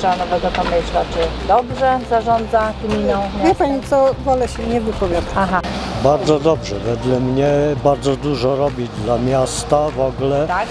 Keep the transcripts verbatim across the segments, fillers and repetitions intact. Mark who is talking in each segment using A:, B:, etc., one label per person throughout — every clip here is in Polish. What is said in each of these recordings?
A: burmistrza Nowego Tomyśla, czy dobrze zarządza gminą?
B: Wie pani co, wolę się nie wypowiadać.
A: Aha,
C: Bardzo dobrze, wedle mnie bardzo dużo robi dla miasta w ogóle
A: tak?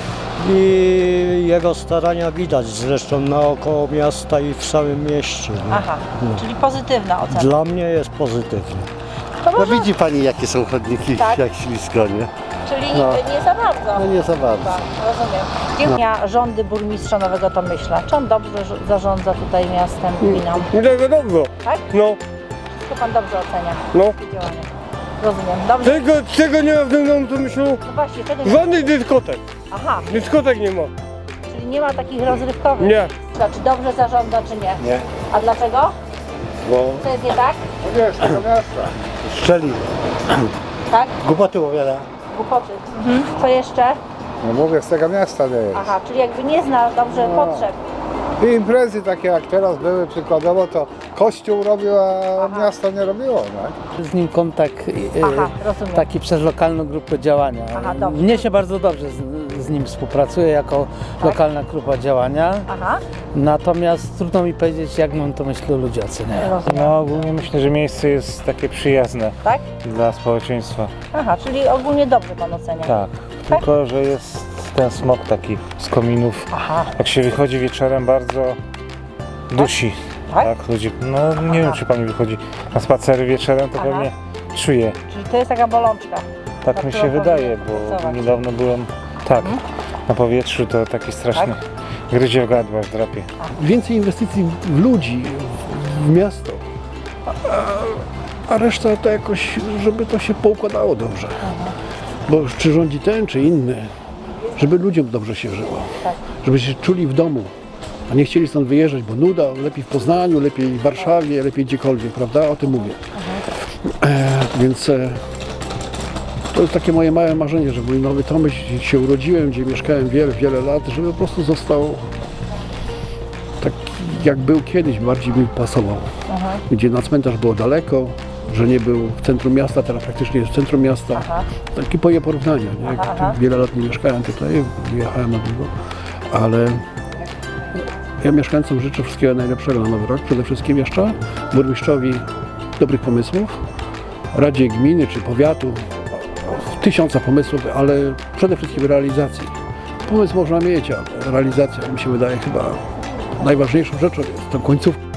C: i jego starania widać zresztą naokoło miasta i w samym mieście. nie?
A: Aha, czyli pozytywna ocena.
C: Dla mnie jest pozytywnie.
A: To
D: No
A: może,
D: widzi pani jakie są chodniki,
A: Tak.
D: jak ślisko, nie?
A: czyli
D: no.
A: nie za bardzo.
D: No nie za bardzo.
A: Tak, rozumiem. Dziękuję. Rządy burmistrza Nowego Tomyśla. Czy on dobrze ż- zarządza tutaj miastem, gminą?
E: Tego dobrze,
A: Tak?
E: no,
A: Wszystko pan dobrze ocenia?
E: no.
A: Takie działania. Rozumiem. Dobrze.
E: Tego, czego nie ma w tym domu, to myślę,
A: No właśnie, tego nie...
E: żadnych dyskotek,
A: Aha,
E: dyskotek nie ma,
A: czyli nie ma takich rozrywkowych.
E: nie.
A: Czy dobrze zarządza, czy nie?
D: Nie.
A: A dlaczego?
D: Bo
A: Co jest nie tak?
D: wiesz, tego miasta. Strzeli,
A: Tak?
D: głupoty opowiada.
A: Głupoty. Mhm. Co jeszcze?
F: No mówię, z tego miasta nie jest.
A: Aha, czyli jakby nie zna dobrze
F: No.
A: potrzeb.
F: I imprezy takie jak teraz były przykładowo, to Kościół robił, a
A: Aha.
F: miasto nie robiło, tak?
G: Z nim kontakt e,
A: Aha, rozumiem.
G: taki przez lokalną grupę działania.
A: Aha, dobrze.
G: Mnie się bardzo dobrze z, z nim współpracuje jako
A: Tak?
G: lokalna grupa działania.
A: Aha,
G: Natomiast trudno mi powiedzieć, jak mam to myślę ludzie oceniają.
A: rozumiem.
H: No ogólnie myślę, że miejsce jest takie przyjazne
A: Tak?
H: dla społeczeństwa.
A: Aha, czyli ogólnie dobrze pan ocenia.
H: Tak, tylko że jest ten smog taki z kominów.
A: Aha,
H: Jak się wychodzi wieczorem, bardzo dusi.
A: Tak?
H: Tak, ludzie, no nie wiem czy pani wychodzi na spacery wieczorem, to
A: Aha.
H: pewnie czuje.
A: czyli to jest taka bolączka.
H: Tak
A: Na
H: mi się
A: którą
H: wydaje,
A: powinien
H: bo
A: pracować.
H: niedawno byłem, tak, na powietrzu to taki straszny gryzie w gardło, aż drapie.
I: Więcej inwestycji w ludzi, w, w miasto, a, a reszta to jakoś, żeby to się poukładało dobrze. Bo czy rządzi ten, czy inny, żeby ludziom dobrze się żyło,
A: Tak.
I: żeby się czuli w domu, a nie chcieli stąd wyjeżdżać, bo nuda, lepiej w Poznaniu, lepiej w Warszawie, lepiej gdziekolwiek, prawda? O tym mówię. E, więc e, to jest takie moje małe marzenie, że mój Nowy Tomyśl, gdzie się urodziłem, gdzie mieszkałem wiele, wiele lat, żeby po prostu został taki jak był kiedyś, bardziej mi pasował. Gdzie na cmentarz było daleko, że nie był w centrum miasta, teraz praktycznie jest w centrum miasta.
A: Aha.
I: Takie moje porównania. Nie? Jak
A: Aha, aha.
I: Wiele lat nie mieszkałem tutaj, wyjechałem na długo, ale ja mieszkańcom życzę wszystkiego najlepszego na Nowy Rok. Przede wszystkim jeszcze burmistrzowi dobrych pomysłów, Radzie Gminy czy Powiatu, tysiąca pomysłów, ale przede wszystkim realizacji. Pomysł można mieć, ale realizacja mi się wydaje chyba najważniejszą rzeczą jest to końcówka.